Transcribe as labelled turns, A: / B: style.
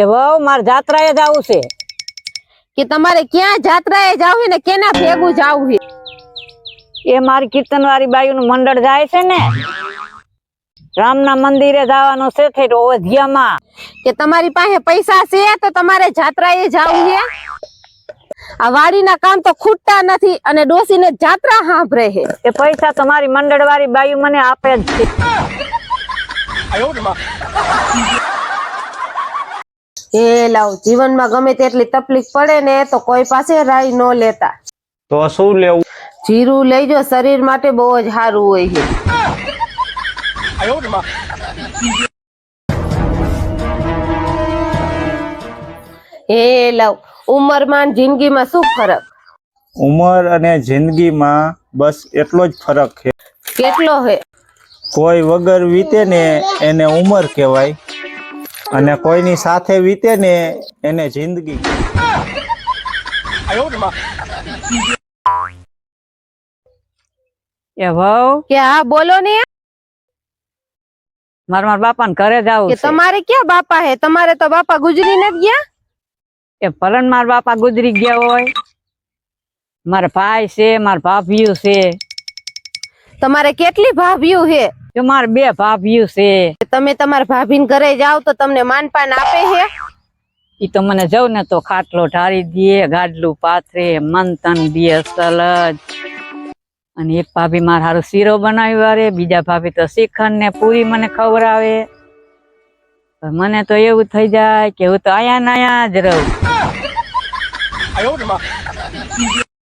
A: એ વહુ માર જાત્રાએ જાવું છે
B: કે તમારે ક્યાં જાત્રાએ જાવું ને કેના ભેગું જાવું છે?
A: એ મારી કીર્તન વાળી બાયુ નું મંડળ જાય છે ને રામના મંદિરે જવાનું છે થઈ ઓધિયામાં
B: કે તમારી પાસે પૈસા છે તો તમારે જાત્રાએ જાવું છે? આ વાડીના કામ તો ખૂટતા નથી અને ડોસીને જાત્રા સાંભળે છે.
A: એ પૈસા તો મારી મંડળ વાળી બાયુ મને આપે જ છે.
B: એ લાવ જીવનમાં ગમે તેટલી તકલીફ પડે ને તો કોઈ પાસે રાઈ ન લેતા.
C: તો શું લેવું?
B: જીરું લઈજો, શરીર માટે બહુ જ સારું હોય છે. એ લાવ ઉંમરમાં જિંદગીમાં શું ફરક?
C: ઉંમર અને જિંદગીમાં બસ એટલો જ ફરક છે.
B: કેટલો હે?
C: કોઈ વગર વીતે ને એને ઉંમર કહેવાય અને કોઈની સાથે વીતે ને એને જિંદગી.
A: એ વહુ
B: કે હા બોલો ને.
A: મારા બાપાને ઘરે જાવું
B: કે
A: છે.
B: તમારે ક્યાં બાપા હે? તમારે તો બાપા ગુજરી નથી ગયા.
A: એ ભલન મારા બાપા ગુજરી ગયા હોય. મારા ભાઈ છે, મારા ભાભીઓ છે.
B: તમારે કેટલી ભાભીઓ હે?
A: જો મારે 2 ભાભીઓ છે.
B: તમે તમારા ભાભીને ઘરે જાવ તો તમને માનપાન આપે હે?
A: ઈ તો મને જવ ને તો ખાટલો ઢાળી દે, ગાડલું પાથરે, મંતન દે અસલ જ. અને એક ભાભી મારા હારું શીરો બનાવી વારે, બીજા ભાભી તો શ્રીખંડ ને પૂરી મને ખવડાવે. મને તો એવું થઈ જાય કે હું તો આયા ને આયા જ રહું.